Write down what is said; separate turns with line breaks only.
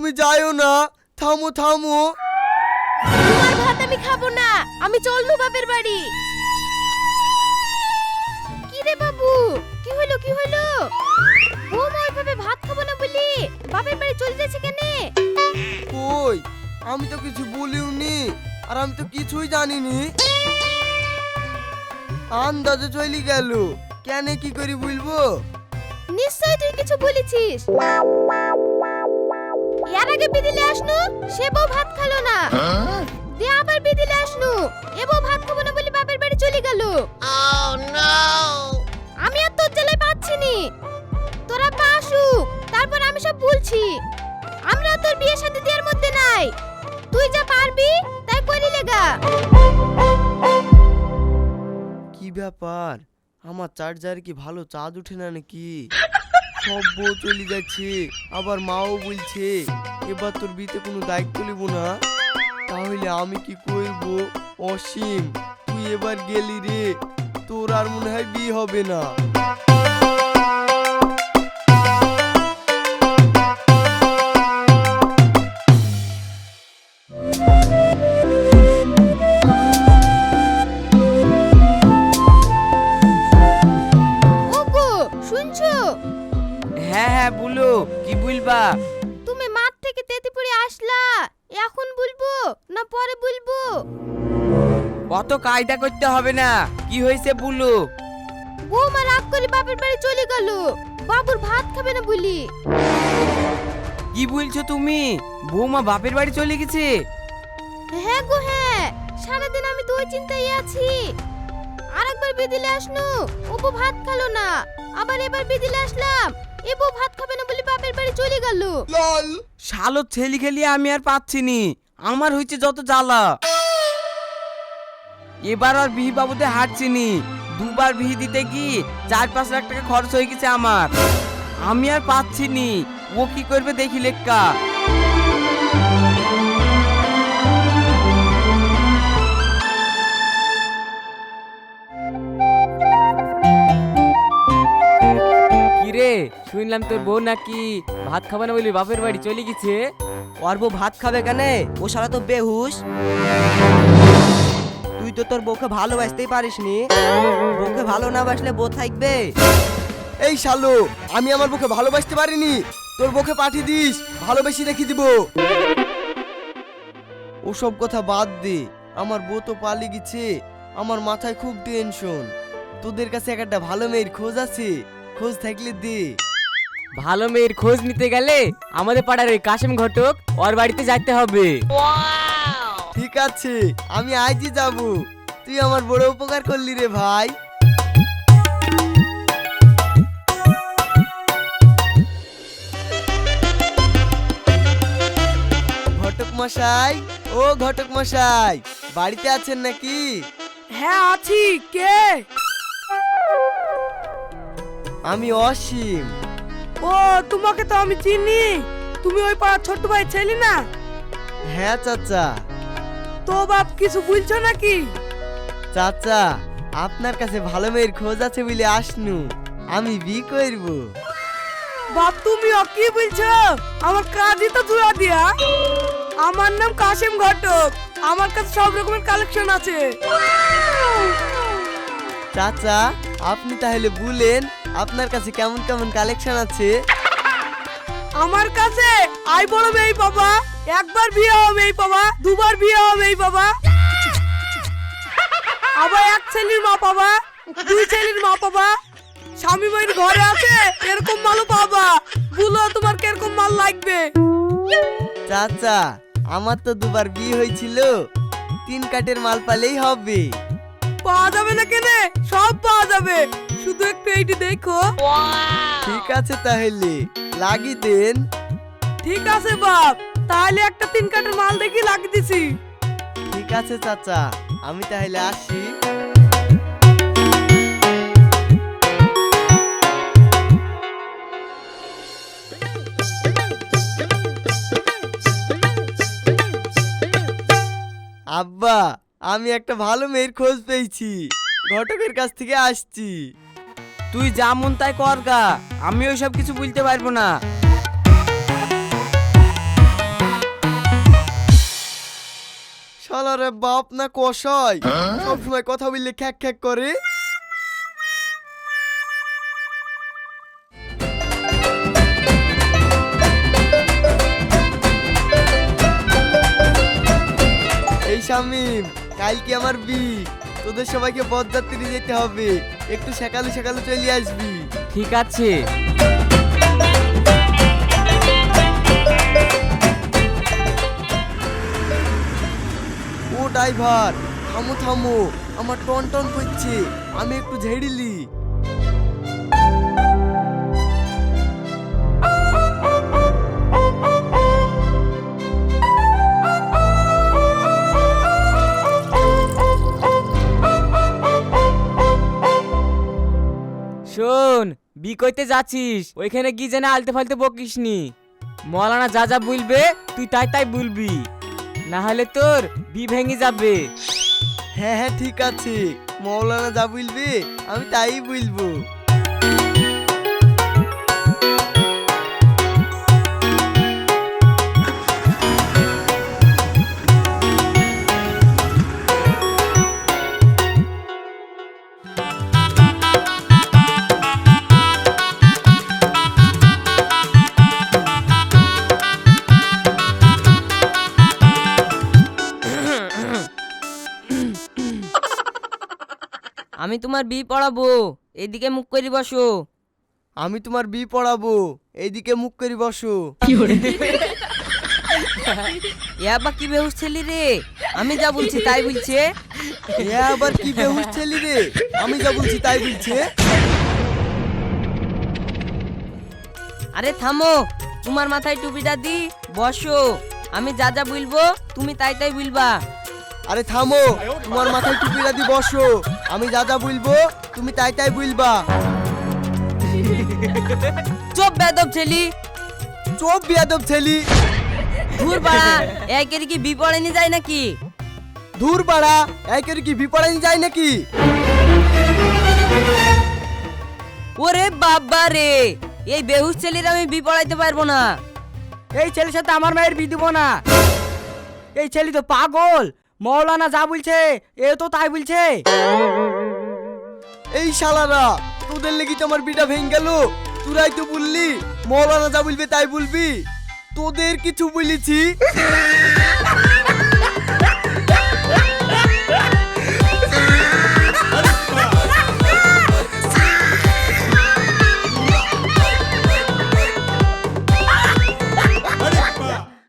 তুমি যাইও না, থামো থামো।
তোমার ভাত আমি খাবো না, আমি চলনু বাপের বাড়ি। কি রে বাবু, কি হলো কি হলো? বৌমা ওইভাবে ভাত খাবো না বলি বাপের বাড়ি চলে যাচ্ছে কেনে?
কই, আমি তো কিছু বলিওনি, আর আমি তো কিছুই জানিনি। আন্দাজে চলি গেল, কেন কি করি বলবো?
নিশ্চয় তুই কিছু বলেছিস। এর আগে বিদিলে আসনু, সে বউ ভাত খালো না। দিয়ে আবার বিদিলে আসনু, এ বউ ভাত খাবো না বলি বাপের বাড়ি চলে গেল। আমি আর তোর জ্বালায় পাচ্ছি নি। তোরা পাসু, তারপর আমি সব বলছি। আমরা তোর বিয়ে শাদী দেওয়ার মধ্যে নাই। তুই যা পারবি তাই করি লেগা।
কি ব্যাপার, আমার চার্জার কি ভালো চার্জ উঠে না নাকি? সব বউ চলে যাচ্ছে, আবার মাও বলছে এবার তোর বিয়েতে কোনো দায়িত্ব নেব না। তাহলে আমি কি করব? অসীম, তুই এবার গেলি রে, তোর আর মনে হয় বিয়ে হবে না।
ওগো শুনছো?
হ্যাঁ হ্যাঁ বলো, কি বলবা?
তুমি মাঠ থেকে তেতিপুরে আসলা, এখন বলবো না পরে বলবো?
অত কায়দা করতে হবে না, কি হয়েছে বলো।
বৌমা রাগ করে বাপের বাড়ি চলে গেল, বাবুর ভাত খাবে না বলি।
কি বলছো তুমি? বৌমা বাপের বাড়ি চলে গেছে?
হ্যাঁ গো হ্যাঁ, সারাদিন আমি তো ওই চিন্তায় আছি। আরেকবার বিদিলে আসনু, ও বউ ভাত খালো না। আবার এবার বিদিলে আসলাম, এ বউ ভাত খাবে না বলি বাপের বাড়ি চলে গেল।
শালো ছেলি খেলি আমি আর পাচ্ছি নি, আমার হয়েছে যত জ্বালা। এবার আর বিহি বাবুতে হাঁটছি নি, দুবার বিহি দিতে কি 4-5 লাখ টাকা খরচ হয়ে গেছে আমার। আমি আর পাচ্ছি নি, ও কি করবে দেখি লেক্কা। কিরে, শুনলাম তোর বউ নাকি ভাত খাবে না বলি বাপের বাড়ি চলে গেছে?
ওর বউ ভাত খাবে কেন? ও শালা তো বেহুশ। তুই তো তোর বউকে ভালোবাসতেই পারিসনি। বউকে ভালো না বাসলে বউ থাকবে?
এই শালো, আমি আমার বউকে ভালোবাসতে পারিনি, তোর বউকে পাঠিয়ে দিস, ভালোবেসে রেখে দিব। ওসব কথা বাদ দে, আমার বউ তো পালিয়ে গেছে, আমার মাথায় খুব টেনশন। তোদের কাছে একটা ভালো মেয়ের খোঁজ আছে, খোঁজ থাকলে দে।
ভালো মেয়ের খোঁজ নিতে গেলে আমাদের পাড়ার ওই কাশেম ঘটক ওর বাড়িতে যাইতে হবে।
ঠিক আছে, আমি আজই যাব। তুই আমার বড় উপকার করলি রে ভাই। ঘটক মশাই, ও ঘটক মশাই, বাড়িতে আছেন নাকি?
হ্যাঁ আছি, কে?
আমি অসীম।
ও, তোমাকে তো আমি চিনি। তুমি ওই পাড়ার ছোট ভাই ছেলে না?
হ্যাঁ চাচা।
তো বাপ কিছু বলছো নাকি?
চাচা, আপনার কাছে ভালো মেয়ের খোঁজ আছে বলে আসনু, আমি বিয়ে করব।
বাপ তুমিও কি বলছো? আমার কাজই তো জুয়া দিয়া। আমার নাম কাশেম ঘটক, আমার কাছে সব রকমের কালেকশন আছে।
চাচা, আপনি তাহলে বলেন আপনার কাছে কেমন কেমন কালেকশন আছে?
আমার কাছে আই বড় মেয়ে বাবা, একবার বিয়ে হবে এই বাবা, দুবার বিয়ে হবে এই বাবা, আবার এক ছেলের মা পাবা, দুই ছেলের মা পাবা, স্বামী মায়ের ঘরে আছে এরকম মালও পাবা। বলো তোমার কিরকম মাল লাগবে?
চাচা, আমার তো দুবার বিয়ে হয়েছিল, 3 কাঠের মাল পালেই হবে।
পাওয়া যাবে না কেনে? সব পাওয়া যাবে, শুধু একটু এইটি দেখো।
ঠিক আছে তাহলে, লাগিয়ে দেন।
ঠিক আছে বাপ, তাহলে একটা 3 কাঠের মাল দেখি লাগিয়ে দিছি।
ঠিক আছে চাচা, আমি তাহলে আসি। আব্বা, আমি একটা ভালো মেয়ের খোঁজ পেয়েছি, ঘটকের কাছ থেকে আসছি।
তুই যা মন তাই কর গা, আমি ওইসব কিছু বলতে পারবো না।
শালারে বাপ না কষাই, সবসময় কথা বললে খ্যাক খ্যাক করে। এই শামিম, কালকে আমার তোদের সবাইকে বরযাত্রী যেতে হবে, একটু সকালে সকালে চলে আসবি।
ঠিক আছে।
ও ড্রাইভার, থামো থামো, আমার টন টন করছে, আমি একটু ঝেড়িলি।
শোন, বি কইতে যাচ্ছিস, ওইখানে গিয়ে যেন আলতে ফালতে বকিস নি। মৌলানা যা যা বলবে তুই তাই তাই বলবি, না হলে তোর বি ভেঙে যাবে।
হ্যাঁ হ্যাঁ ঠিক আছে, মৌলানা যা বলবে আমি তাই বলবো।
আমি তোমার বি পড়াবো, এদিকে মুখ করে বসো।
আমি তোমার পড়াবো, এইদিকে মুখ করে বসো।
এ আবার কি বেহুশ ছেলে রে, আমি যা বলছি তাই বলছে।
এ আবার কি বেহুশ ছেলে রে, আমি যা বলছি তাই বলছে।
আরে থামো, তোমার মাথায় টুপিটা দি বসো, আমি যা যা বলবো তুমি তাই তাই বলবা।
আরে থামো, তোমার মাথায় টুপিটা দি বসো, আমি যা যা বলবো তুমি তাই তাই বলবা।
চুপ বেদব ছেলি,
চোপ বিয়াদব ছেলি।
ঘুর বাড়া, একের কি বি পড়েনি যায় নাকি?
ধুর বাড়া, একের কি বিপড়ানি যায় নাকি?
ওরে বাবা রে, এই বেহুশ ছেলির আমি বি পড়াইতে পারবো না।
এই ছেলের সাথে আমার মায়ের বিয়ে দিব না। এই ছেলে তো পাগল, মৌলানা যা বলছে এ তো তাই বলছে।
এই শালারা, তোদের লেগে তো আমার বিটা ভেঙে গেল। তোরাই তো বললি মৌলানা যা বলবে তাই বলবি, তোদের কিছু বলেছি?